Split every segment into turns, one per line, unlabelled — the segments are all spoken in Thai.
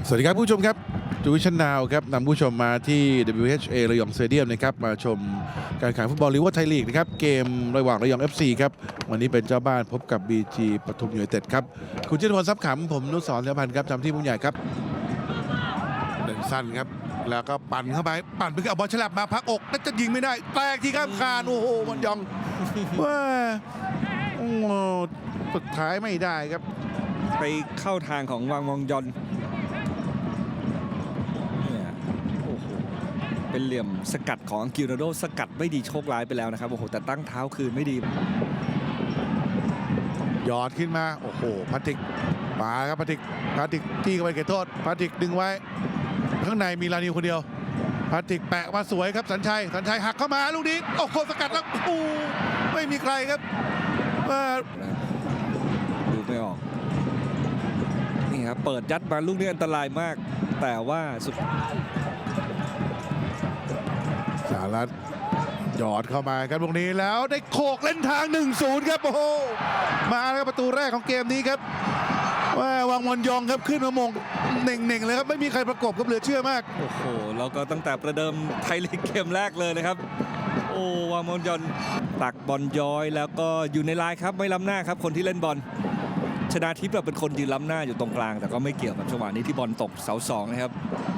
สวัสดีครับผู้ชมครับจูวิชั่นนาวครับนำผู้ชมมาที่ WHA ระยองสเตเดียมนะครับมาชมการแข่งฟุตบอลลีกไทยลีกนะครับเกมระหว่างระยอง FC ครับวันนี้เป็นเจ้าบ้านพบกับ BG ปทุมยูไนเต็ดครับคุณเจษฎพลทรัพย์ขำผมนุสรเสถียรพันธ์ครับทำที่ผู้ใหญ่ครับเดินสั้นครับแล้วก็ปั่นเข้าไปปั่นไปเอาบอลฉลับมาพักอกน่าจะยิงไม่ได้แตกที่ข้ามคานโอ้โหมันยองว่าโอ้สุดท้ายไม่ได้ครับ
ไปเข้าทางของวังมองยอนเป็นเหลี่ยมสกัดของอังกิโรโดสกัดไม่ดีโชคร้ายไปแล้วนะครับโอ้โหแต่ตั้งเท้าคืนไม่ดี
ยอดขึ้นมาโอ้โหพาติกมาครับพาติกที่เข้าไปเขตโทษพาติกดึงไว้ข้างในมีลานิวคนเดียวพาติกแปะมาสวยครับสัญชัยหักเข้ามาลูกนี้โอ้โหสกัดแล้วโอ้ไม่มีใครครับ
ดูไม่ออกนี่ครับเปิดยัดมาลูกนี้อันตรายมากแต่ว่าสุด
สหรัฐหยอดเข้ามาครับลูกนี้แล้วได้โขกเล่นทาง 1-0 ครับโอ้โหมาแล้วประตูแรกของเกมนี้ครับว่าวังมอนยองครับขึ้นมามงเน่งเลยครับไม่มีใครประกบครับเหลือเชื่อมาก
โอ้โหแล้วก็ตั้งแต่ประเดิมไทยลีกเกมแรกเลยนะครับโอ้วังมอนยองตักบอลย้อยแล้วก็อยู่ในลายครับไม่ล้ำหน้าครับคนที่เล่นบอลชนาทิพย์เป็นคนยืนล้ำหน้าอยู่ตรงกลางแต่ก็ไม่เกี่ยวกับจังหวะนี้ที่บอลตกเสาสองนะครับ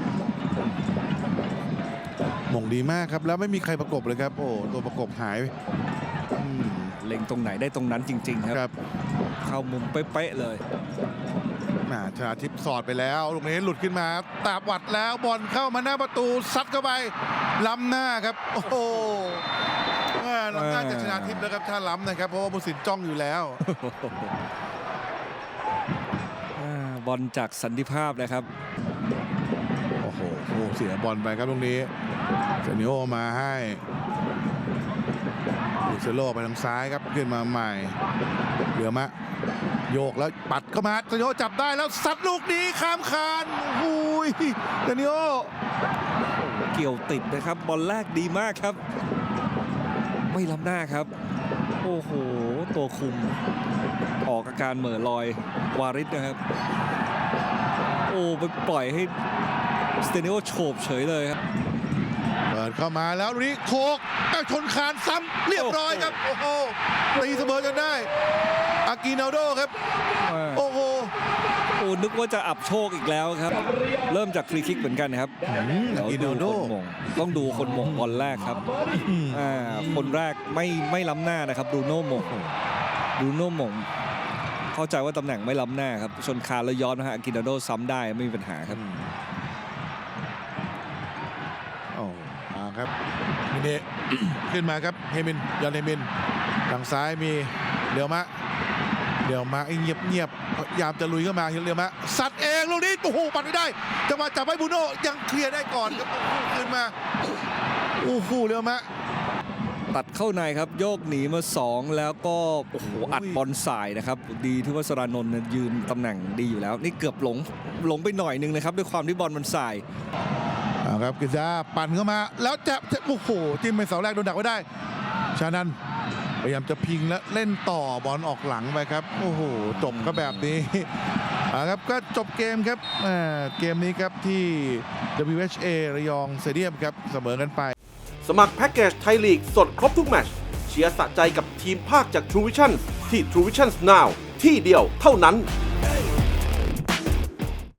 มงดีมากครับแล้วไม่มีใครประกบเลยครับโอ้ตัวประกบหาย
เล็งตรงไหนได้ตรงนั้นจริงๆครับเข้ามุมเป๊ะๆเลย
ชนาทิพย์สอดไปแล้วลูกนี้หลุดขึ้นมาตาบวัดแล้วบอลเข้ามาหน้าประตูซัดเข้าไปล้ำหน้าครับโอ้โหล้ำหน้าจากชนาทิพย์แล้วครับถ้าล้ำนะครับเพราะว่าผู้สินจ้องอยู่แล้ว
บอลจากสันติภาพนะครับ
โอ้โหเสียบอลไปครับตรงนี้เซนิโอมาให้ลูเซโลไปทางซ้ายครับขึ้นมาใหม่เหลือมะโยกแล้วปัดเข้ามาเซนิโอจับได้แล้วซัดลูกนี้ข้ามคานโอ้ยเซนิโอ
เกี่ยวติดนะครับบอลแรกดีมากครับไม่ล้ำหน้าครับโอ้โหตัวคุมออกอาการเหม่อลอยวาริสนะครับโอ้ไปปล่อยให้สเตนิโอโฉบเฉยเลยครับ
เปิดเข้ามาแล้วนี่โคกชนคานซ้ำเรียบร้อยครับโอ้โหตีเสมอกันได้อากินาโดครับโอ้โห
นึกว่าจะอับโชคอีกแล้วครับเริ่มจากฟรีคิกเหมือนกันครับ
อากินาโด
ต้องดูคนมงบอลแรกครับคนแรกไม่ล้ำหน้านะครับดูโน่มงเข้าใจว่าตำแหน่งไม่ล้ำหน้าครับชนคานแล้วย้อนนะฮะอากินาโดซ้ำได้ไม่มีปัญหาครับ
ครับมินเนขึ้นมาครับเฮมินยันเฮมินทางซ้ายมีเดี๋ยวมาเงียบพยายามจะลุยเข้ามาเดี๋ยวมาสัตว์เองลูกนี้โอ้โหปัดไม่ได้จังหวะจับไว้บูโน่ยังเคลียร์ได้ก่อนครับขึ้นมาโอ้โหเดี๋ยวมา
ตัดเข้าในครับโยกหนีมา2แล้วก็โอ้โหอัดบอลสายนะครับดีที่ว่าสรานนท์ยืนตำแหน่งดีอยู่แล้วนี่เกือบหลงไปหน่อยนึงนะครับด้วยความที่บอลมันสาย
ครับกิซ่าปั่นเข้ามาแล้วจะโอ้โหจิ้มไปเสาแรกโดนดักไว้ได้ชานันพยายามจะพิงและเล่นต่อบอลออกหลังไปครับโอ้โหจบก็แบบนี้ครับก็จบเกมครับเกมนี้ครับที่ WHA ระยองสเตเดียมครับเสมอกันไป
สมัครแพ็กเกจไทยลีกสดครบทุกแมตช์เชียร์สะใจกับทีมภาคจาก True Vision ที่ True Vision Now ที่เดียวเท่านั้น